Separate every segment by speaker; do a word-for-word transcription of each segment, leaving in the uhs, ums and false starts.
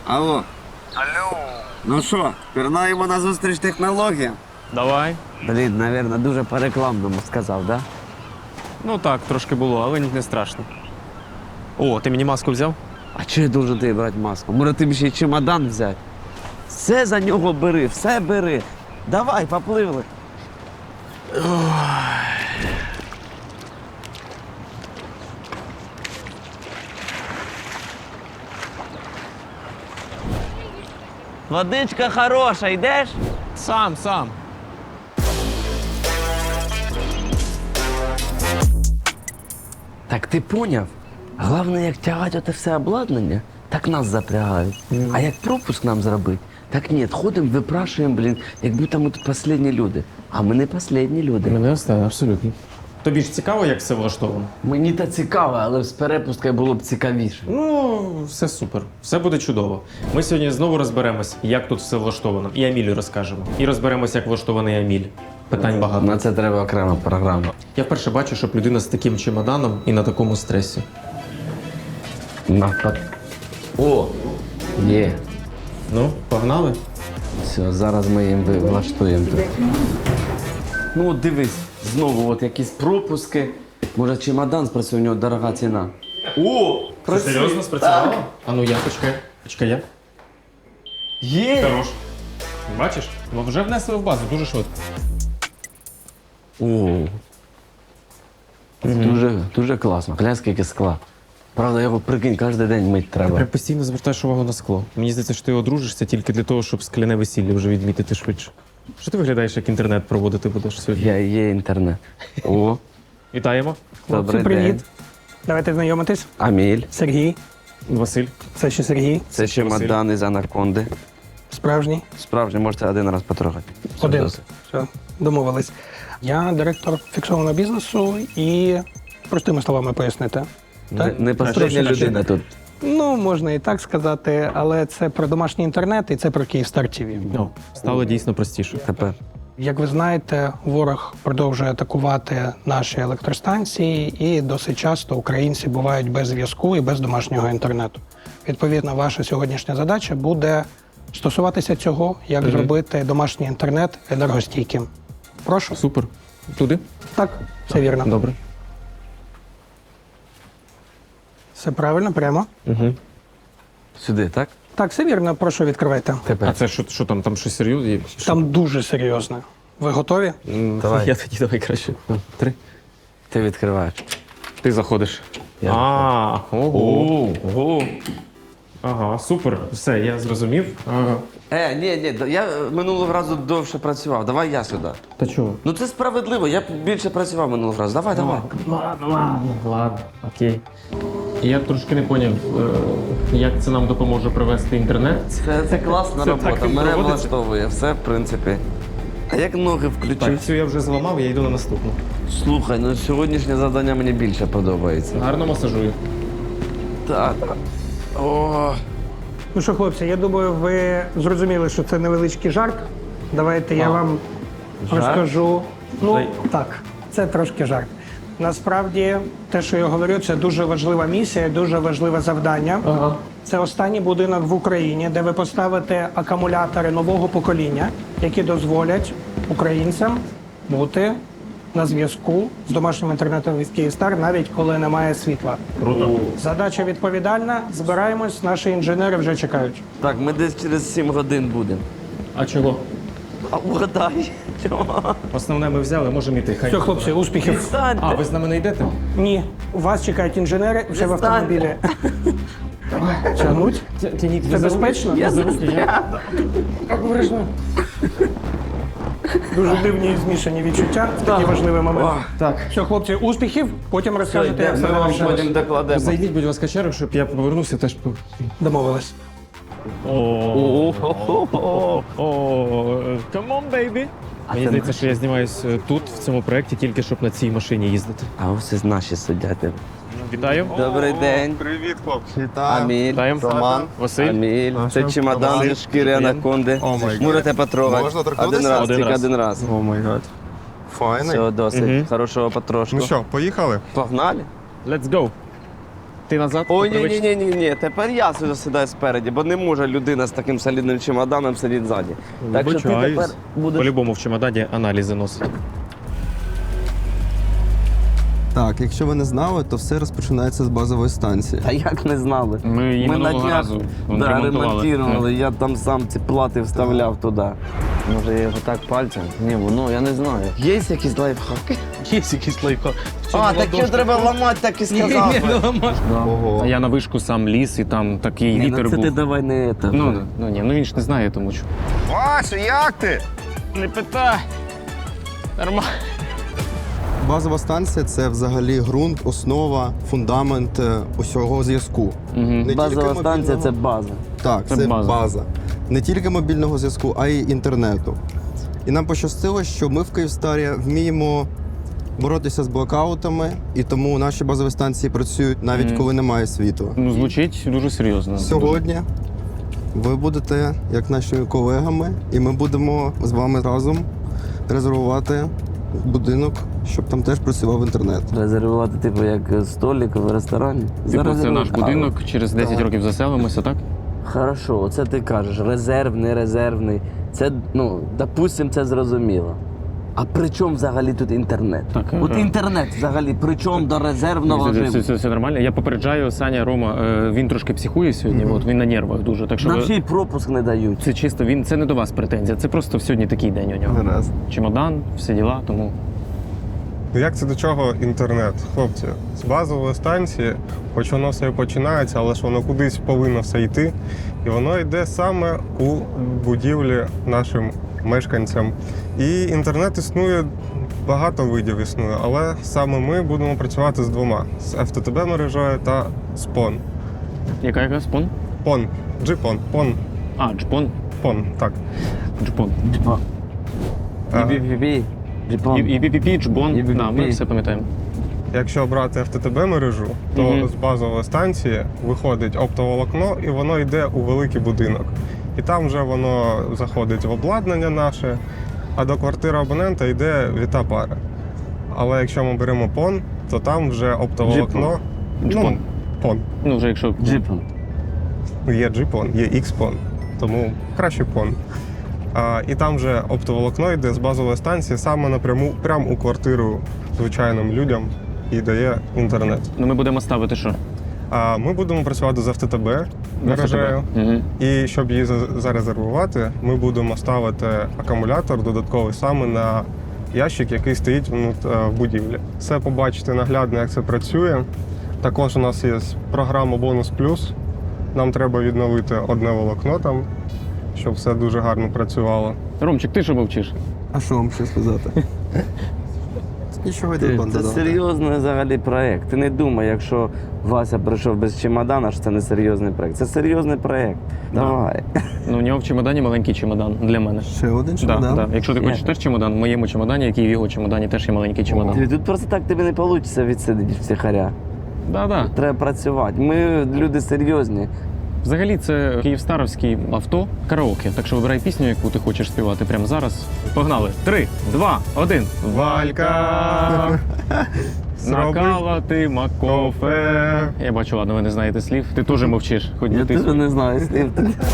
Speaker 1: Алло.
Speaker 2: Алло.
Speaker 1: Ну що, пірнаємо на зустріч технологіям?
Speaker 3: Давай.
Speaker 1: Блін, навірно, дуже по-рекламному сказав, да?
Speaker 3: Ну так, трошки було, але не страшно. О, ти мені маску взяв?
Speaker 1: А чого я должен тобі брати маску? Може, тобі ще й чемодан взяти? Все за нього бери, все бери. Давай, попливли. Водичка хороша, йдеш?
Speaker 3: Сам, сам.
Speaker 1: Так ти поняв? Головне, як тягати оте все обладнання, так нас запрягають. А як пропуск нам зробити, так ні, ходимо, випрашуємо, блін, як будто ми тут останні люди. А ми не останні люди.
Speaker 3: Мене останнє, абсолютно. Тобі ж цікаво, як все влаштовано?
Speaker 1: Мені та цікаво, але з перепусткою було б цікавіше.
Speaker 3: Ну, все супер. Все буде чудово. Ми сьогодні знову розберемось, як тут все влаштовано. І Амілі розкажемо. І розберемось, як влаштований Аміль. Питань багато.
Speaker 1: На це треба окрема програма.
Speaker 3: Я вперше бачу, щоб людина з таким чемоданом і на такому стресі.
Speaker 1: Напад. О! Є.
Speaker 3: Ну, погнали?
Speaker 1: Все, зараз ми їм ви- влаштуємо тут. Ну от дивись, знову от якісь пропуски. Може чемодан спрацює, у нього дорога ціна. О!
Speaker 3: Це серйозно спрацювало? А ну я, почекай. Почекай я.
Speaker 1: Є!
Speaker 3: Хорош. Бачиш? Ну, вже внесли в базу, дуже швидко.
Speaker 1: О! Дуже, дуже класно. Глянь, скільки скла. Правда, його прикинь, кожен день мить треба.
Speaker 3: Прям постійно звертаєш увагу на скло. Мені здається, що ти одружишся тільки для того, щоб скляне весілля вже відмітити швидше. Що ти виглядаєш, як інтернет проводити будеш сьогодні?
Speaker 1: Я є інтернет. О,
Speaker 3: Вітаємо.
Speaker 1: добрий
Speaker 4: Привіт.
Speaker 1: день.
Speaker 4: Давайте знайомитись.
Speaker 1: Аміль.
Speaker 4: Сергій.
Speaker 3: Василь.
Speaker 4: Це ще Сергій.
Speaker 1: Це чемодан із анаконди.
Speaker 4: Справжній.
Speaker 1: Справжній, можете один раз потрогати. Все
Speaker 4: Один.
Speaker 1: досить.
Speaker 4: Все, домовились. Я директор фіксованого бізнесу і простими словами пояснити.
Speaker 1: Не,
Speaker 4: Так?
Speaker 1: не посередня
Speaker 4: Трошки
Speaker 1: людина тут.
Speaker 4: Ну, можна і так сказати, але це про домашній інтернет і це про Київстар ТІВІ.
Speaker 3: О, стало дійсно простіше.
Speaker 1: Тепер.
Speaker 4: Як ви знаєте, ворог продовжує атакувати наші електростанції, і досить часто українці бувають без зв'язку і без домашнього інтернету. Відповідно, ваша сьогоднішня задача буде стосуватися цього, як
Speaker 3: Мгм.
Speaker 4: зробити домашній інтернет енергостійким. Прошу.
Speaker 3: Супер. Туди?
Speaker 4: Так, все вірно.
Speaker 3: Добре.
Speaker 4: Все правильно, прямо.
Speaker 3: Угу.
Speaker 1: Сюди, так?
Speaker 4: Так, все вірно, прошу, відкривайте.
Speaker 3: А
Speaker 1: Тепер.
Speaker 3: це що, що там? Там щось серйозне? є? Що?
Speaker 4: Там дуже серйозно. Ви готові?
Speaker 3: М,
Speaker 1: Давай.
Speaker 3: Я тоді давай краще. Ну, Три.
Speaker 1: Ти відкриваєш.
Speaker 3: Ти заходиш.
Speaker 1: Я
Speaker 3: А, ого.
Speaker 1: Ого.
Speaker 3: Ага, супер. Все, я зрозумів. Ага.
Speaker 1: Е, ні, ні, я минулого разу довше працював. Давай я сюди.
Speaker 3: Та чого?
Speaker 1: Ну це справедливо, я більше працював минулого разу. Давай, давай.
Speaker 3: Ладно, ладно, ладно, окей. Я трошки не поняв, е, як це нам допоможе провести інтернет.
Speaker 1: Це, це класна
Speaker 3: Це
Speaker 1: робота.
Speaker 3: так
Speaker 1: Мене
Speaker 3: проводиться?
Speaker 1: влаштовує, все в принципі. А як ноги
Speaker 3: Так,
Speaker 1: включити?
Speaker 3: цю я вже зламав, я йду на наступну.
Speaker 1: Слухай, ну сьогоднішнє завдання мені більше подобається.
Speaker 3: Гарно масажую.
Speaker 1: Так, так. О,
Speaker 4: Ну що, хлопці, я думаю, ви зрозуміли, що це невеличкий жарт. Давайте я вам
Speaker 1: Жарт?
Speaker 4: розкажу. Ну,
Speaker 3: Дай.
Speaker 4: так, це трошки жарт. Насправді, те, що я говорю, це дуже важлива місія, дуже важливе завдання.
Speaker 3: Ага.
Speaker 4: Це останній будинок в Україні, де ви поставите акумулятори нового покоління, які дозволять українцям бути на зв'язку з домашнім інтернетом від Київстар, навіть коли немає світла.
Speaker 3: Круто.
Speaker 4: Задача відповідальна. Збираємось, наші інженери вже чекають.
Speaker 1: так, ми десь через сім годин будемо.
Speaker 3: А чого?
Speaker 1: А угадай. Чого?
Speaker 3: Основне ми взяли, можемо йти. Хай.
Speaker 4: Все, хлопці, успіхів.
Speaker 3: А,
Speaker 1: Відстаньте.
Speaker 3: ви з нами не йдете?
Speaker 4: Ні, вас чекають інженери вже в
Speaker 1: Відстаньте.
Speaker 4: автомобілі. Тягнуть?
Speaker 3: Тяніть,
Speaker 4: Це безпечно?
Speaker 1: Я
Speaker 3: за руки, я.
Speaker 4: Обережно. Дуже дивні і змішані відчуття в такий важливий момент.
Speaker 3: Так.
Speaker 4: Все, хлопці, успіхів. Потім розкажете, як
Speaker 1: Ми
Speaker 4: все
Speaker 1: вам
Speaker 4: завершилось.
Speaker 1: потім докладемо.
Speaker 3: Зайдіть, будь ласка, черг, щоб я повернувся теж. по-
Speaker 4: Домовились.
Speaker 3: О, come on, baby. Мені
Speaker 1: це
Speaker 3: здається, що я знімаюсь е, тут, в цьому проєкті, тільки щоб на цій машині їздити.
Speaker 1: А ось і наші сидять.
Speaker 3: Вітаю.
Speaker 1: Добрий день.
Speaker 5: Привіт, хлопці. Вітаю.
Speaker 1: Аміль.
Speaker 3: Вітаємо.
Speaker 5: Роман.
Speaker 3: Василь.
Speaker 1: Аміль. Це чемодан зі шкіри анаконди.
Speaker 5: О, май гад.
Speaker 1: Можете потрогати.
Speaker 5: Можна торкнутися?
Speaker 1: Один раз,
Speaker 3: Один
Speaker 1: тільки
Speaker 3: раз.
Speaker 1: один раз.
Speaker 5: О май гад. Файний.
Speaker 1: Все, досить.
Speaker 3: Мгм.
Speaker 1: Хорошого потрошку.
Speaker 5: Ну що, поїхали?
Speaker 1: Погнали?
Speaker 3: Let's go. Ти назад?
Speaker 1: Ой, ні,
Speaker 3: Привич-
Speaker 1: ні, ні, ні, ні. Тепер я сюди сідаю спереді, бо не може людина з таким солідним чемоданом сидіти ззаді. Так що ти
Speaker 3: Вибачаюсь.
Speaker 1: тепер будеш.
Speaker 3: По-любому в чемодані аналізи носить.
Speaker 2: Так, якщо ви не знали, то все розпочинається з базової станції.
Speaker 1: Та як не знали?
Speaker 3: Ми її минулого разу
Speaker 1: да,
Speaker 3: ремонтували.
Speaker 1: ремонтували. Я там сам ці плати вставляв туди. Може я його так пальцем? Ні, ну я не знаю. Є якісь лайфхаки?
Speaker 3: Є якийсь лайфхак.
Speaker 1: А, так його треба ламати, так і сказав.
Speaker 2: Ого.
Speaker 3: А я на вишку сам ліз, і там такий
Speaker 1: Ні,
Speaker 3: вітер
Speaker 1: ну це
Speaker 3: був.
Speaker 1: ти давай не це.
Speaker 3: Ну, ну ні, ну він ж не знає, тому що.
Speaker 5: Вася, як ти?
Speaker 3: Не питай. Нормально.
Speaker 2: Базова станція це взагалі ґрунт, основа, фундамент е, усього зв'язку. Не тільки
Speaker 1: Базова станція
Speaker 2: мобільного-
Speaker 1: це база.
Speaker 2: Так,
Speaker 3: Це
Speaker 2: це,
Speaker 3: база.
Speaker 2: база. Не тільки мобільного зв'язку, а й інтернету. І нам пощастило, що ми в Київстарі вміємо боротися з блокаутами, і тому наші базові станції працюють навіть
Speaker 3: Мгм.
Speaker 2: коли немає світла.
Speaker 3: Ну, звучить дуже серйозно.
Speaker 2: Сьогодні ви будете як нашими колегами, і ми будемо з вами разом резервувати будинок, щоб там теж працював інтернет.
Speaker 1: Резервувати, типу, як столик в ресторані.
Speaker 3: Типу, це
Speaker 1: Зарезервуй.
Speaker 3: наш
Speaker 1: А,
Speaker 3: будинок, через десять
Speaker 2: Так.
Speaker 3: років заселимося, так?
Speaker 1: Хорошо, оце ти кажеш, резерв, не резервний. Це, ну, допустим, це зрозуміло. А при чому взагалі тут інтернет?
Speaker 3: Так,
Speaker 1: От
Speaker 3: е,
Speaker 1: інтернет взагалі при чому до резервного
Speaker 3: Все, все,
Speaker 1: режиму?
Speaker 3: все, все нормально. Я попереджаю, Саня, Рома, е, він трошки психує сьогодні, от він на нервах дуже. Так що
Speaker 1: Нам
Speaker 3: ви-
Speaker 1: ще й пропуск не дають.
Speaker 3: це чисто, він це не до вас претензія, це просто сьогодні такий день у нього.
Speaker 2: Гаразд.
Speaker 3: Чемодан, всі діла, тому.
Speaker 5: Ну як це до чого інтернет? Хлопці, з базової станції, хоч воно все і починається, але ж воно кудись повинно все йти. І воно йде саме у будівлі нашим мешканцям. І інтернет існує, багато видів існує, але саме ми будемо працювати з двома: з еф те те бе мережею та з пон.
Speaker 3: Яка яка спон?
Speaker 5: Пон, джипон, пон,
Speaker 3: А, джпон.
Speaker 5: пон, так.
Speaker 3: Джпон.
Speaker 1: Типа,
Speaker 5: А,
Speaker 1: бі-бі-бі-бі, джипон.
Speaker 3: І пі пі пі, джбон.
Speaker 1: І пі пі пі.
Speaker 3: Да, ми все пам'ятаємо.
Speaker 5: Якщо брати еф те те бе мережу, то
Speaker 3: Мгм.
Speaker 5: з базової станції виходить оптоволокно і воно йде у великий будинок. І там вже воно заходить в обладнання наше, а до квартири абонента йде віта пара. Але якщо ми беремо пон, то там вже оптоволокно.
Speaker 3: Джпон.
Speaker 5: Ну, пон.
Speaker 3: Ну, вже якщо.
Speaker 1: Джипон.
Speaker 5: Є джипон, є ікс-пон, тому краще пон. А, і там вже оптоволокно йде з базової станції саме напряму, прямо у квартиру звичайним людям і дає інтернет.
Speaker 3: Ну, ми будемо ставити що?
Speaker 5: А ми будемо працювати з еф те те бе мережею.
Speaker 3: Угу.
Speaker 5: І щоб її за- зарезервувати, ми будемо ставити акумулятор додатковий саме на ящик, який стоїть внут- е, в будівлі. Все побачите наглядно, як це працює. Також у нас є програма Бонус Плюс. Нам треба відновити одне волокно там, щоб все дуже гарно працювало.
Speaker 3: Ромчик, ти що мовчиш?
Speaker 2: А що вам ще сказати? Нічого йде
Speaker 1: Це
Speaker 2: банда.
Speaker 1: серйозний взагалі проєкт. Ти не думай, якщо Вася прийшов без чемодана, що це не серйозний проєкт. Це серйозний проєкт. Давай.
Speaker 3: Ну, у нього в чемодані маленький чемодан для мене.
Speaker 2: Ще один
Speaker 3: Да,
Speaker 2: чемодан?
Speaker 3: да. Якщо ти
Speaker 1: Є.
Speaker 3: хочеш теж чемодан, в моєму чемодані, як і в його чемодані, теж є маленький чемодан.
Speaker 1: Ти- Тут просто так тобі не вийде відсидіти втихаря.
Speaker 3: Да, да.
Speaker 1: Треба працювати. Ми люди серйозні.
Speaker 3: Взагалі, це київстаровське авто караоке. Так що вибирай пісню, яку ти хочеш співати прямо зараз. Погнали. Три, два, один.
Speaker 5: Валька!
Speaker 3: Накалати макофе. Я бачу, ладно, ви не знаєте слів. Ти теж мовчиш, хоч
Speaker 1: Я
Speaker 3: би ти.
Speaker 1: теж не знаю слів.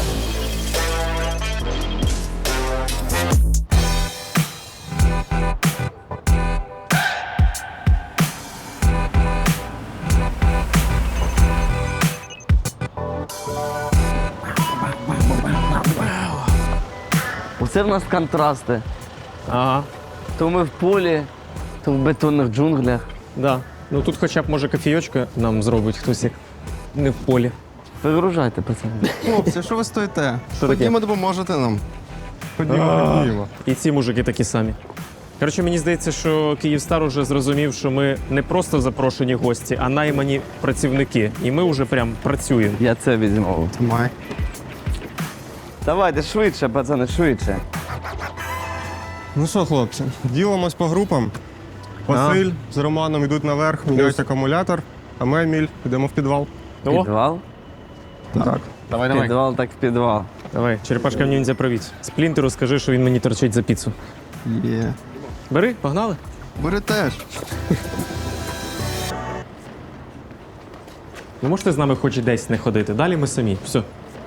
Speaker 1: Оце в нас контрасти.
Speaker 3: Ага,
Speaker 1: То ми в полі, то в бетонних джунглях.
Speaker 3: да. Ну тут хоча б може кофійочка нам зробить хтось як не в полі.
Speaker 1: Вигружайте, пацани.
Speaker 2: Хлопці, що ви стоїте?
Speaker 3: Що таке?
Speaker 2: Ходімо, допоможете нам.
Speaker 5: Ходімо, ходімо.
Speaker 3: І ці мужики такі самі. Коротше, мені здається, що Київстар уже зрозумів, що ми не просто запрошені гості, а наймані працівники. І ми вже прям працюємо.
Speaker 1: Я це візьму.
Speaker 2: Тримай.
Speaker 1: Давайте швидше, пацани, швидше.
Speaker 5: Ну що, хлопці, ділимось по групам. Василь з Романом йдуть наверх, міняють акумулятор, а ми, Еміль, йдемо в підвал.
Speaker 3: О,
Speaker 1: Підвал?
Speaker 5: Так.
Speaker 3: давай, давай.
Speaker 1: Підвал так в підвал.
Speaker 3: Давай, черепашка ніндзя, привіт. Сплінтеру скажи, що він мені торчить за піцу.
Speaker 2: Є.
Speaker 3: Бери, погнали.
Speaker 2: Бери теж.
Speaker 3: Ви можете з нами хоч десь не ходити? Далі ми самі. Все.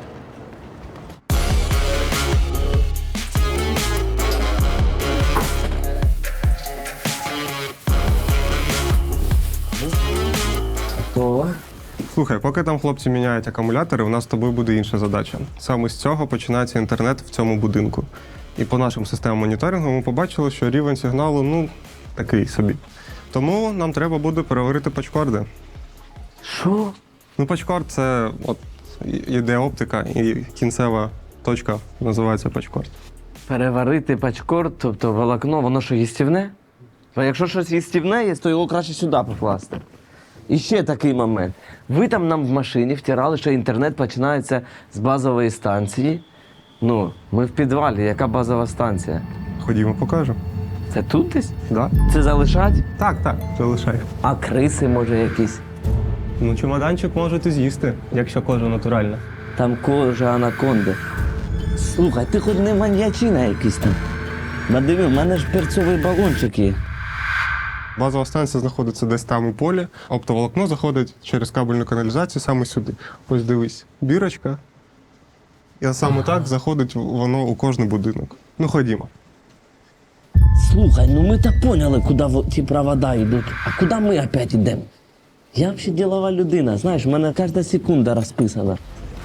Speaker 1: То
Speaker 5: Слухай, поки там хлопці міняють акумулятори, у нас з тобою буде інша задача. Саме з цього починається інтернет в цьому будинку. І по нашим системам моніторингу ми побачили, що рівень сигналу, ну, такий собі. Тому нам треба буде переварити пачкорди.
Speaker 1: що?
Speaker 5: Ну, пачкорд – це от іде оптика, і кінцева точка називається пачкорд.
Speaker 1: Переварити пачкорд, тобто волокно, воно що, їстівне? А якщо щось їстівне є, то його краще сюди покласти. І ще такий момент. Ви там нам в машині втирали, що інтернет починається з базової станції. Ну, ми в підвалі, яка базова станція?
Speaker 5: Ходімо, покажу.
Speaker 1: Це тут десь?
Speaker 5: Да?
Speaker 1: Це залишать?
Speaker 5: Так, так, залишай.
Speaker 1: А криси, може, якісь?
Speaker 5: Ну, чемоданчик можете з'їсти, якщо кожа натуральна.
Speaker 1: Там кожа анаконди. Слухай, ти хоч не маньячина якийсь там. Надиви, в мене ж перцовий балончик є.
Speaker 5: Базова станція знаходиться десь там у полі, оптоволокно заходить через кабельну каналізацію саме сюди. Ось дивись, бірочка. І саме так заходить воно у кожний будинок. Ну, ходімо.
Speaker 1: Слухай, ну ми то поняли, куди во- ті провода йдуть. А куди ми опять йдемо? Я взагалі ділова людина, знаєш, в мене кожна секунда розписана.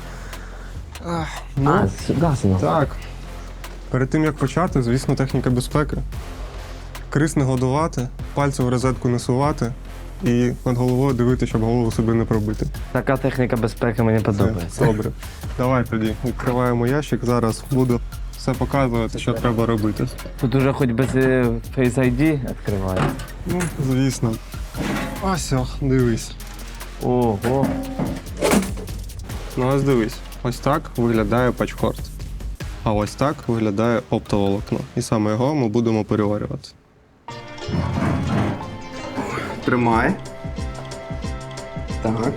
Speaker 5: Ну,
Speaker 1: А, сюди знову.
Speaker 5: так. Перед тим, як почати, звісно, техніка безпеки. Крис не годувати, пальці в розетку не сувати і над головою дивитися, щоб голову собі не пробити.
Speaker 1: Така техніка безпеки мені
Speaker 5: Це
Speaker 1: подобається.
Speaker 5: добре. Давай тоді відкриваємо ящик, зараз буду все показувати, що треба робити.
Speaker 1: Тут уже хоч без е, Face ай ді відкриває.
Speaker 5: Ну, звісно. Ось, о, дивись.
Speaker 1: Ого.
Speaker 5: Ну, ось дивись. Ось так виглядає пачкорд. А ось так виглядає оптоволокно. І саме його ми будемо переварювати.
Speaker 2: Тримай. Так.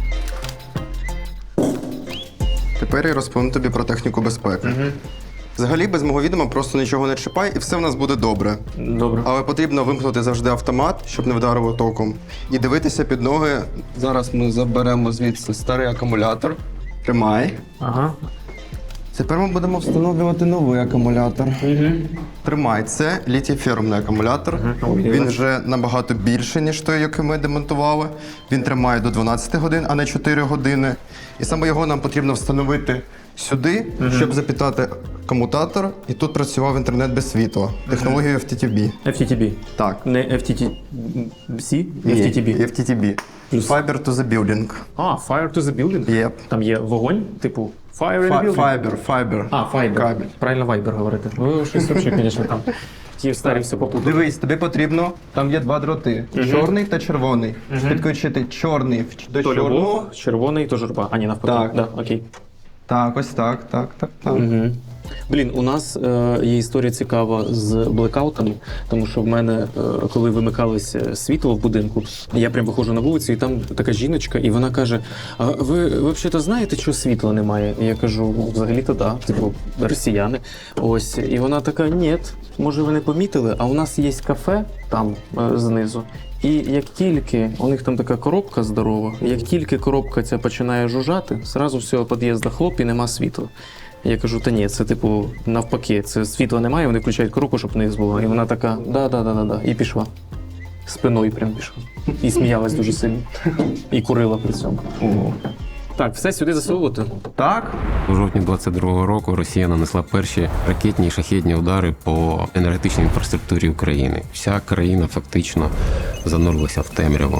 Speaker 2: Тепер я розповім тобі про техніку безпеки. Взагалі, без мого відома просто нічого не чіпай, і все в нас буде добре.
Speaker 3: Добре.
Speaker 2: Але потрібно вимкнути завжди автомат, щоб не вдарило током. І дивитися під ноги. Зараз ми заберемо звідси старий акумулятор. Тримай.
Speaker 3: Ага.
Speaker 2: Тепер ми будемо встановлювати новий акумулятор.
Speaker 3: Угу.
Speaker 2: Тримай, це літій-фермний акумулятор. Він вже набагато більший, ніж той, який ми демонтували. Він тримає до дванадцяти годин, а не чотири години. І саме його нам потрібно встановити сюди, щоб запітати комутатор, і тут працював інтернет без світла. Технологією еф ті ті бі.
Speaker 3: еф ті ті бі.
Speaker 2: Так.
Speaker 3: Не еф ті ті сі? еф ті ті бі.
Speaker 2: еф ті ті бі. Fiber to the building.
Speaker 3: А, Fire to the building?
Speaker 2: Yep.
Speaker 3: Там є вогонь, типу Fire in the
Speaker 2: Фа-
Speaker 3: building?
Speaker 2: Fiber, fiber.
Speaker 3: А, Fiber.
Speaker 2: Кабель.
Speaker 3: Правильно Viber говорити. Ви щось взагалі, звісно, там. Ті старі все попутали.
Speaker 2: Дивись, тобі потрібно, там є два дроти, чорний та червоний. Підключити чорний в- до
Speaker 3: То
Speaker 2: чорного.
Speaker 3: любов, червоний, то журба. А, ні, навпаки.
Speaker 2: Так.
Speaker 3: Да, окей.
Speaker 2: Так, ось так, так, так, так.
Speaker 3: Угу. Блін, у нас е, є історія цікава з блекаутами, тому що в мене, е, коли вимикалося світло в будинку, я прям виходжу на вулицю, і там така жіночка, і вона каже: а ви, ви взагалі знаєте, що світла немає? І я кажу, «Ну, взагалі-то да, типу, росіяни. Ось. І вона така: ні, може ви не помітили, а у нас є кафе там е, знизу. І як тільки у них там така коробка здорова, як тільки коробка ця починає жужжати, зразу з цього під'їзду хлоп і нема світла. Я кажу, та ні, це типу навпаки, це світла немає, вони включають коробку, щоб вниз було. І вона така, да-да-да-да, і пішла. Спиною прям пішла. І сміялась дуже сильно. І курила при цьому. Так, все сюди засовувати.
Speaker 2: Так?
Speaker 6: У жовтні двадцять другого року Росія нанесла перші ракетні і шахедні удари по енергетичній інфраструктурі України. Вся країна фактично занурилася в темряву,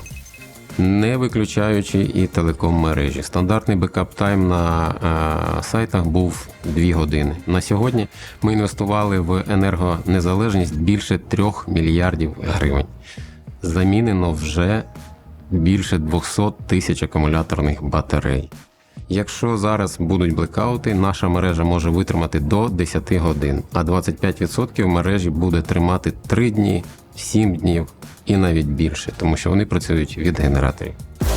Speaker 6: не виключаючи і телеком-мережі. Стандартний бекап-тайм на е, сайтах був дві години. На сьогодні ми інвестували в енергонезалежність більше трьох мільярдів гривень. Замінено вже більше двісті тисяч акумуляторних батарей. Якщо зараз будуть блекаути, наша мережа може витримати до десять годин, а двадцять п'ять відсотків мережі буде тримати три дні, сім днів і навіть більше, тому що вони працюють від генераторів.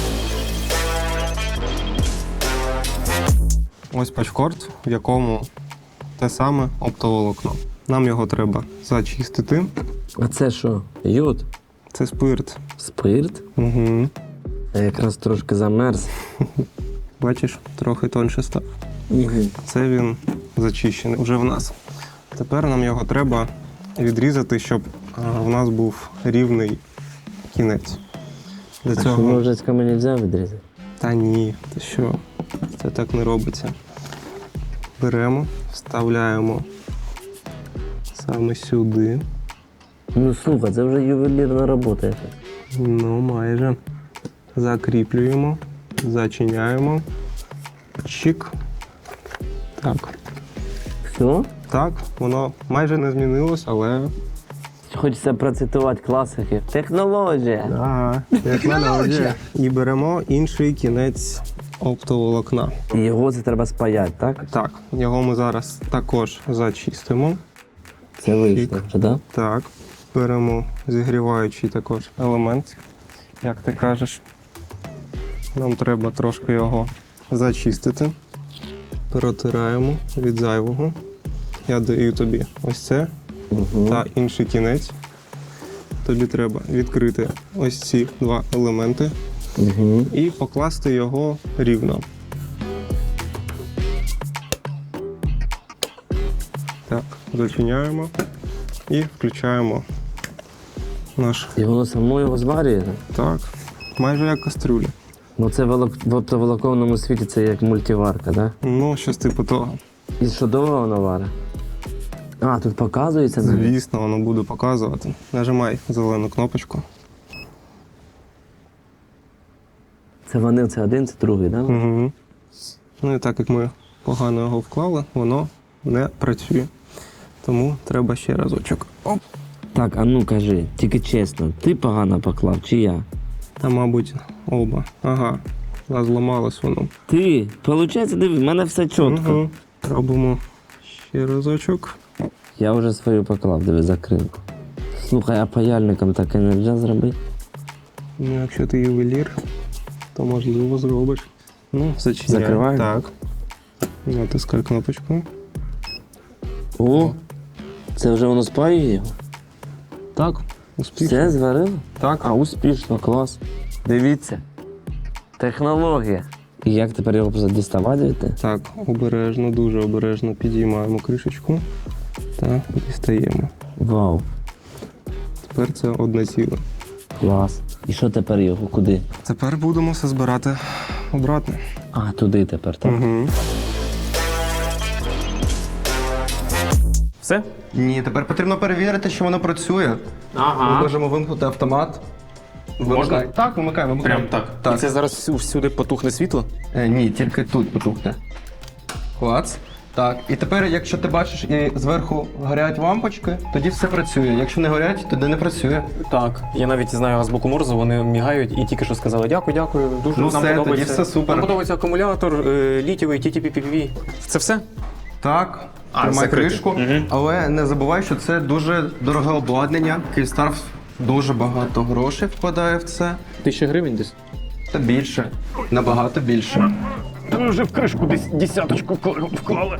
Speaker 5: Ось пачкорд, в якому те саме оптоволокно. Нам його треба зачистити.
Speaker 1: А це що? Йод?
Speaker 5: Це спирт.
Speaker 1: Спирт?
Speaker 5: Угу.
Speaker 1: Я якраз трошки замерз.
Speaker 5: Бачиш, трохи тоньше став.
Speaker 1: Угу.
Speaker 5: Це він зачищений вже в нас. Тепер нам його треба відрізати, щоб а, в нас був рівний кінець. Для
Speaker 1: А що,
Speaker 5: цього.
Speaker 1: ножичками не можна відрізати?
Speaker 5: Та ні, ти що? Це так не робиться. Беремо, вставляємо саме сюди.
Speaker 1: Ну слухай, це вже ювелірна робота якась.
Speaker 5: Ну, майже. Закріплюємо, зачиняємо. Чик. Так.
Speaker 1: Все?
Speaker 5: Так, воно майже не змінилось, але.
Speaker 1: Хочеться процитувати класики. Технологія.
Speaker 5: Ага, як мене. І беремо інший кінець оптоволокна.
Speaker 1: І його це треба спаяти, так?
Speaker 5: Так, його ми зараз також зачистимо.
Speaker 1: Це вийшло вже, так?
Speaker 5: Так, беремо зігріваючий також елемент, як ти кажеш. Нам треба трошки його зачистити. Протираємо від зайвого. Я даю тобі ось це
Speaker 1: Угу.
Speaker 5: та інший кінець. Тобі треба відкрити ось ці два елементи
Speaker 1: Угу.
Speaker 5: і покласти його рівно. Так, зачиняємо і включаємо наш.
Speaker 1: І воно само його зварює?
Speaker 5: Так, майже як кастрюля.
Speaker 1: Ну це волок... в оптоволоконному світі це як мультиварка, так?
Speaker 5: Ну, щось типу того.
Speaker 1: І що довго воно варить? А, тут показується навіть?
Speaker 5: Звісно, воно буде показувати. Нажимай зелену кнопочку.
Speaker 1: Це вони, це один, це другий, так? Да?
Speaker 5: Угу. Ну і так як ми погано його вклали, воно не працює. Тому треба ще разочок. Оп.
Speaker 1: Так, а ну кажи, тільки чесно, ти погано поклав чи я?
Speaker 5: Та, мабуть, оба. Ага. А зламалось воно.
Speaker 1: Ти, виходить, диви, в мене все чітко.
Speaker 5: Угу. Робимо ще разочок.
Speaker 1: Я вже свою поклав, диви, закринку. Слухай, а паяльником так і не можна зробити?
Speaker 5: Ну, якщо ти ювелір, то можливо зробиш. Ну, зачиняй.
Speaker 1: Закриваємо?
Speaker 5: Так. Натискай кнопочку.
Speaker 1: О, це вже воно спаює його?
Speaker 5: Так, успішно.
Speaker 1: Все зварило?
Speaker 5: Так.
Speaker 1: А, успішно, клас. Дивіться. Технологія. І як тепер його просто діставати звідти?
Speaker 5: Так, обережно, дуже обережно підіймаємо кришечку та дістаємо.
Speaker 1: Вау,
Speaker 5: Тепер це одне ціле.
Speaker 1: клас. І що тепер його? Куди?
Speaker 5: Тепер будемо все збирати обратно.
Speaker 1: А, туди тепер, так?
Speaker 5: Угу.
Speaker 3: Все?
Speaker 2: Ні, тепер потрібно перевірити, що воно працює. Ми
Speaker 3: Ага.
Speaker 2: можемо вимкнути автомат. Вимикай. Так, вимикай, вимикай.
Speaker 3: Прям так.
Speaker 2: Так.
Speaker 3: І це зараз всю- всюди потухне світло?
Speaker 2: Е, ні, тільки тут потухне. Клац. Так. І тепер, якщо ти бачиш і зверху горять лампочки, тоді все працює. Якщо не горять, тоді не працює.
Speaker 3: Так. Я навіть знаю азбуку Морзе, вони мігають і тільки що сказали дякую, дякую. Дуже
Speaker 2: Ну
Speaker 3: нам
Speaker 2: все,
Speaker 3: подобається.
Speaker 2: тоді все супер.
Speaker 3: Нам подобається акумулятор, е, літієвий, ті ті пі пі пі. Це все?
Speaker 2: Так,
Speaker 3: А,
Speaker 2: тримай
Speaker 3: закрити.
Speaker 2: кришку.
Speaker 3: Мгм.
Speaker 2: Але не забувай, що це дуже дороге обладнання. Київстар дуже багато грошей вкладає в це.
Speaker 3: Тисяча гривень десь?
Speaker 2: Та більше. Набагато більше.
Speaker 3: Та ми вже в кришку десь десяточку вклали.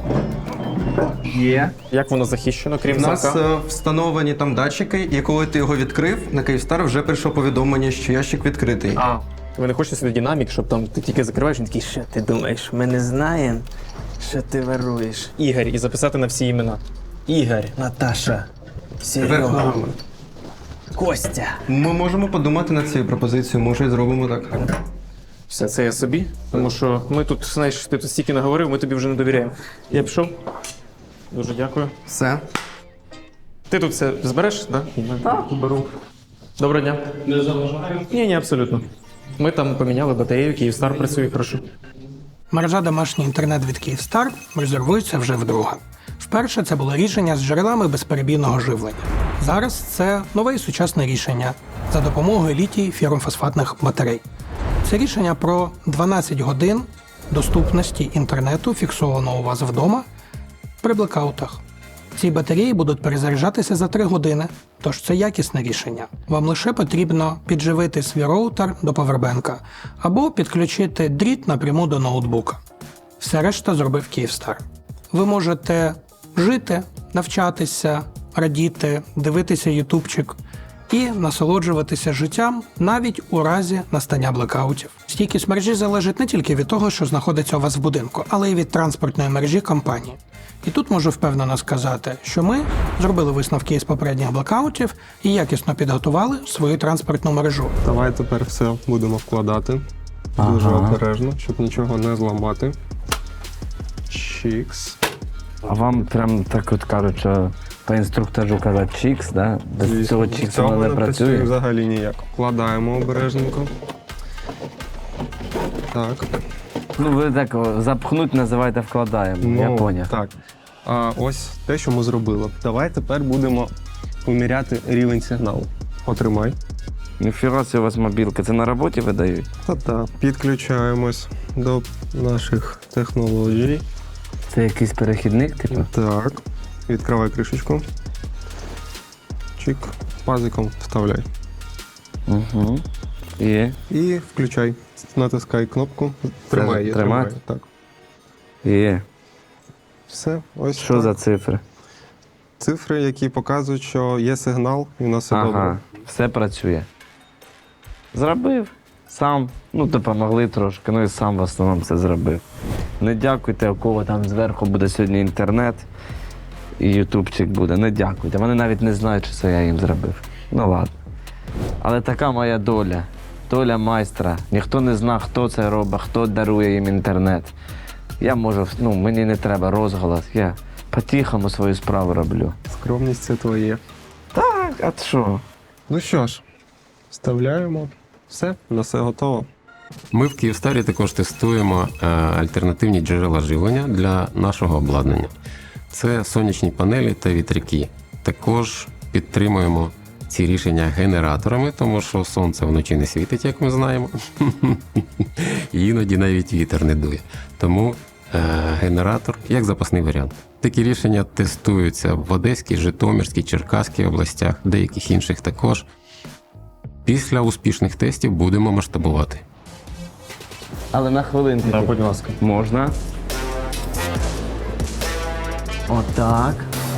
Speaker 2: Є.
Speaker 3: Як воно захищено, крім
Speaker 2: У нас
Speaker 3: замка?
Speaker 2: е, встановлені там датчики, і коли ти його відкрив, на Київстар вже прийшло повідомлення, що ящик відкритий.
Speaker 3: А, ви не хочете сюди динамік, щоб там ти тільки закриваєш, він такий, що ти думаєш, ми не знаємо, що ти воруєш. Ігор, і записати на всі імена. Ігор, Наташа,
Speaker 2: Тепер
Speaker 3: Серега, Костя.
Speaker 2: ми можемо подумати над цією пропозицією, може і зробимо так.
Speaker 3: Все, це я собі, тому що ми тут, знаєш, ти тут стільки наговорив, ми тобі вже не довіряємо. Я пішов. Дуже дякую.
Speaker 2: Все.
Speaker 3: Ти тут все збереш, так? Так, беру. Доброго дня. Не заважаю? Ні, ні, абсолютно. Ми там поміняли батарею, Київстар працює хорошо.
Speaker 4: Мережа домашній інтернет від Київстар резервується вже вдруге. Вперше це було рішення з джерелами безперебійного живлення. Зараз це нове і сучасне рішення за допомогою літій фірмофосфатних батарей. Це рішення про дванадцять годин доступності інтернету, фіксованого у вас вдома при блекаутах. Ці батареї будуть перезаряджатися за три години, тож це якісне рішення. Вам лише потрібно підживити свій роутер до павербенка або підключити дріт напряму до ноутбука. Все решта зробив Київстар. Ви можете жити, навчатися, радіти, дивитися ютубчик і насолоджуватися життям навіть у разі настання блекаутів. Стійкість мережі залежить не тільки від того, що знаходиться у вас в будинку, але й від транспортної мережі компанії. І тут можу впевнено сказати, що ми зробили висновки із попередніх блекаутів і якісно підготували свою транспортну мережу.
Speaker 5: Давай тепер все будемо вкладати. Дуже
Speaker 1: Ага.
Speaker 5: обережно, щоб нічого не зламати. Чікс.
Speaker 1: А вам прям так от кажуть, що по інструктажу казати чікс, да? Без цього чіксу
Speaker 5: Цього
Speaker 1: воно
Speaker 5: не
Speaker 1: не
Speaker 5: працює
Speaker 1: працює.
Speaker 5: взагалі ніяк. Вкладаємо обережненько. Так.
Speaker 1: Ну ви так о, запхнуть називаєте вкладаємо, я поняв.
Speaker 5: Так. А ось те, що ми зробили. Давай тепер будемо поміряти рівень сигналу. Отримай.
Speaker 1: Ніфіга себе у вас мобілки, це на роботі видають?
Speaker 5: Та-та. Підключаємось до наших технологій.
Speaker 1: Це якийсь перехідник, типу?
Speaker 5: Так. Відкривай кришечку. Чик. Пазиком вставляй.
Speaker 1: Угу. І?
Speaker 5: І включай. Натискай кнопку. Тримай її.
Speaker 1: тримати?
Speaker 5: Тримай. Так.
Speaker 1: І.
Speaker 5: Все. Ось
Speaker 1: Що
Speaker 5: так.
Speaker 1: за цифри?
Speaker 5: Цифри, які показують, що є сигнал, і у нас все
Speaker 1: Ага,
Speaker 5: добре.
Speaker 1: все працює. Зробив. Сам. Ну, допомогли трошки, ну і сам в основному це зробив. Не дякуйте, у кого там зверху буде сьогодні інтернет і ютубчик буде. Не дякуйте. Вони навіть не знають, що це я їм зробив. Ну ладно. Але така моя доля. Доля майстра. Ніхто не зна, хто це робить, хто дарує їм інтернет. Я можу, ну, мені не треба розголос. Я по-тихому свою справу роблю.
Speaker 5: Скромність це твоє.
Speaker 1: Так, а що?
Speaker 5: Ну що ж, вставляємо. Все, на все готово.
Speaker 6: Ми в Київстарі також тестуємо е, альтернативні джерела живлення для нашого обладнання. Це сонячні панелі та вітряки. Також підтримуємо ці рішення генераторами, тому що сонце вночі не світить, як ми знаємо. І іноді навіть вітер не дує. Тому е, генератор як запасний варіант. Такі рішення тестуються в Одеській, Житомирській, Черкаській областях, деяких інших також. Після успішних тестів будемо масштабувати.
Speaker 1: Але на хвилинку.
Speaker 3: Да, будь ласка.
Speaker 1: Можна. Отак.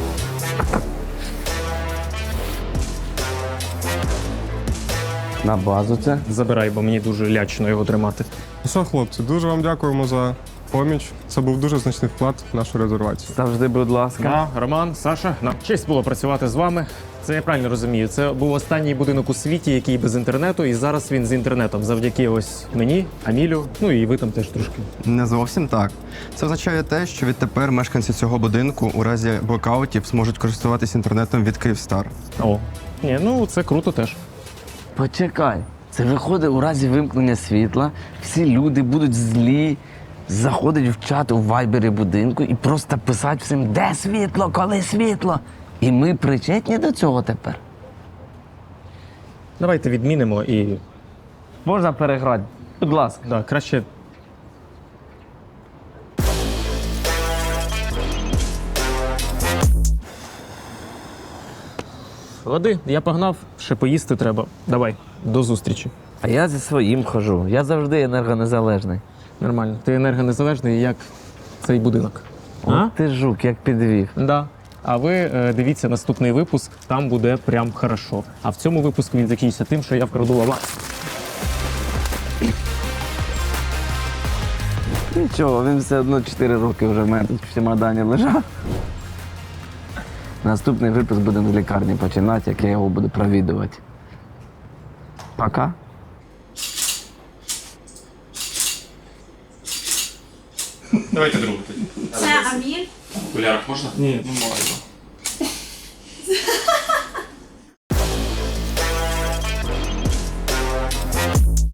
Speaker 1: На базу це.
Speaker 3: Забирай, бо мені дуже лячно його тримати.
Speaker 5: Ну що, хлопці, дуже вам дякуємо за поміч. Це був дуже значний вклад в нашу резервацію.
Speaker 1: Завжди, будь ласка.
Speaker 3: Да, Роман, Саша, нам честь було працювати з вами. Це я правильно розумію. Це був останній будинок у світі, який без інтернету, і зараз він з інтернетом. Завдяки ось мені, Амілю, ну і ви там теж трошки.
Speaker 2: Не зовсім так. Це означає те, що відтепер мешканці цього будинку у разі блокаутів зможуть користуватися інтернетом від Київстар.
Speaker 3: О, ні, ну це круто теж.
Speaker 1: Почекай. Це виходить у разі вимкнення світла, всі люди будуть злі, заходять в чат у вайбері будинку і просто писати всім, де світло, коли світло. І ми причетні до цього тепер.
Speaker 3: Давайте відмінимо і
Speaker 1: Можна переграти? Будь ласка.
Speaker 3: да, краще. Води, я погнав, ще поїсти треба. Давай, до зустрічі.
Speaker 1: А я зі своїм хожу. Я завжди енергонезалежний.
Speaker 3: Нормально. Ти енергонезалежний, як цей будинок. А?
Speaker 1: От ти жук, як підвів.
Speaker 3: Да. А ви е, дивіться наступний випуск, там буде прям хорошо. А в цьому випуску він закінчиться тим, що я вкраду аванс.
Speaker 1: Нічого, він все одно чотири роки вже в мене тут в чемодані лежав. Наступний випуск будемо з лікарні починати, як я його буду провідувати. Пока.
Speaker 3: Давайте другу тоді.
Speaker 7: Це Аміль.
Speaker 3: В окулярах можна? Ні, не можна.